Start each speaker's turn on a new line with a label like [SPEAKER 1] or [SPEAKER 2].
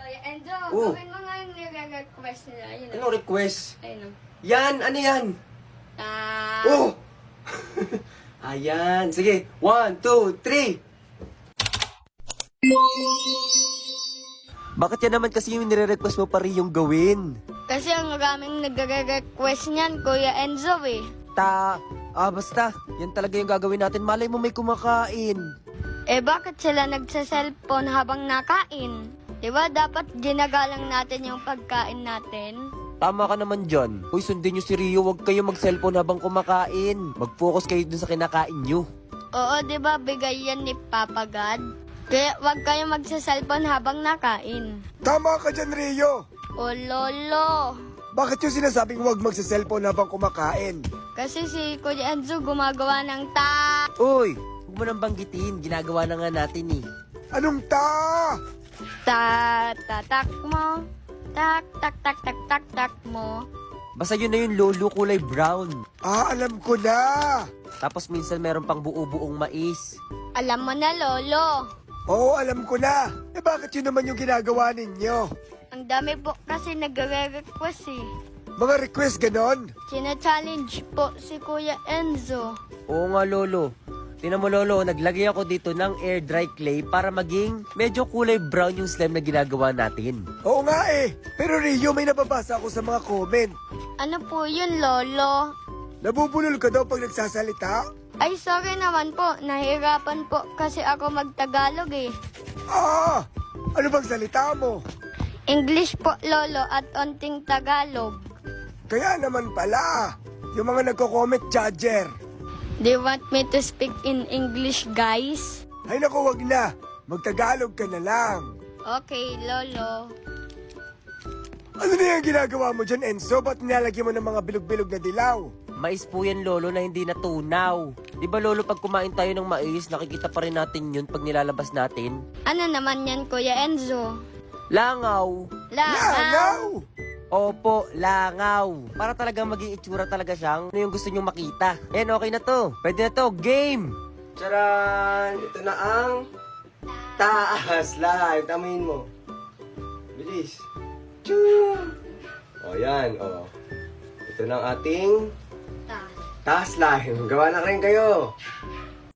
[SPEAKER 1] Kuya Enzo,
[SPEAKER 2] Oh.
[SPEAKER 1] gawin mo nga yung nire-request nila. Yun,
[SPEAKER 2] Anong request?
[SPEAKER 1] Ayun o.
[SPEAKER 2] Yan! Ano yan? Oh! Ayan. Sige. 1, 2, 3. Bakit yan naman kasi yung nire-request mo pa rin yung gawin?
[SPEAKER 1] Kasi ang maraming nagre-request niyan, Kuya Enzo eh.
[SPEAKER 2] Basta. Yan talaga yung gagawin natin. Malay mo may kumakain.
[SPEAKER 1] Eh bakit sila nagsa-cellphone habang nakain? Diba dapat ginagalang natin yung pagkain natin?
[SPEAKER 2] Tama ka naman dyan. Uy, sundin nyo si Rio. Huwag kayo mag-cellphone habang kumakain. Mag-focus kayo dun sa kinakain nyo.
[SPEAKER 1] Oo, diba bigay yan ni Papa God? Kaya wag kayo magsa-cellphone habang nakain.
[SPEAKER 3] Tama ka dyan, Rio.
[SPEAKER 1] O lolo.
[SPEAKER 3] Bakit yung sinasabing huwag magsa-cellphone habang kumakain?
[SPEAKER 1] Kasi si Kuya Enzo gumagawa ng
[SPEAKER 2] Uy, huwag mo nang banggitin. Ginagawa na nga natin eh.
[SPEAKER 3] Anong
[SPEAKER 1] tatak mo. Tak mo.
[SPEAKER 2] Basta yun na yung lolo kulay brown.
[SPEAKER 3] Alam ko na.
[SPEAKER 2] Tapos minsan meron pang buo-buong mais.
[SPEAKER 1] Alam mo na lolo.
[SPEAKER 3] Oo, alam ko na. Eh bakit yun naman yung ginagawa ninyo?
[SPEAKER 1] Ang dami po kasi nagre-request eh.
[SPEAKER 3] Mga request ganon?
[SPEAKER 1] Sina-challenge po si Kuya Enzo.
[SPEAKER 2] Oo nga lolo. Tinan mo lolo, naglagay ako dito ng air dry clay para maging medyo kulay brown yung slime na ginagawa natin.
[SPEAKER 3] Oo nga eh. Pero Rio, may nababasa ako sa mga comment.
[SPEAKER 1] Ano po yun lolo?
[SPEAKER 3] Nabubulol ka daw pag nagsasalita?
[SPEAKER 1] Ay sorry naman po, nahirapan po kasi ako magtagalog eh.
[SPEAKER 3] Ano bang salita mo?
[SPEAKER 1] English po lolo at onting Tagalog.
[SPEAKER 3] Kaya naman pala, yung mga nagko-comment judger.
[SPEAKER 1] Do you want me to speak in English guys?
[SPEAKER 3] Ay naku, wag na. Magtagalog ka na lang.
[SPEAKER 1] Okay lolo.
[SPEAKER 3] Ano na yung ginagawa mo dyan, Enzo? Ba't nilalagyan mo ng mga bilog-bilog na dilaw?
[SPEAKER 2] Mais po yan lolo na hindi natunaw. Di ba lolo pag kumain tayo ng mais, nakikita pa rin natin yun pag nilalabas natin?
[SPEAKER 1] Ano naman yan Kuya Enzo?
[SPEAKER 2] Langaw.
[SPEAKER 3] Langaw!
[SPEAKER 2] Opo, langaw. Para talagang maging itsura talaga siyang ano yung gusto nyong makita. Ayan, okay na to. Pwede na to. Game! Charan! Ito na ang taas live. Tamuin mo. Bilis. Choo! O, yan. O. Ito na ang ating taas live. Gawa na rin kayo.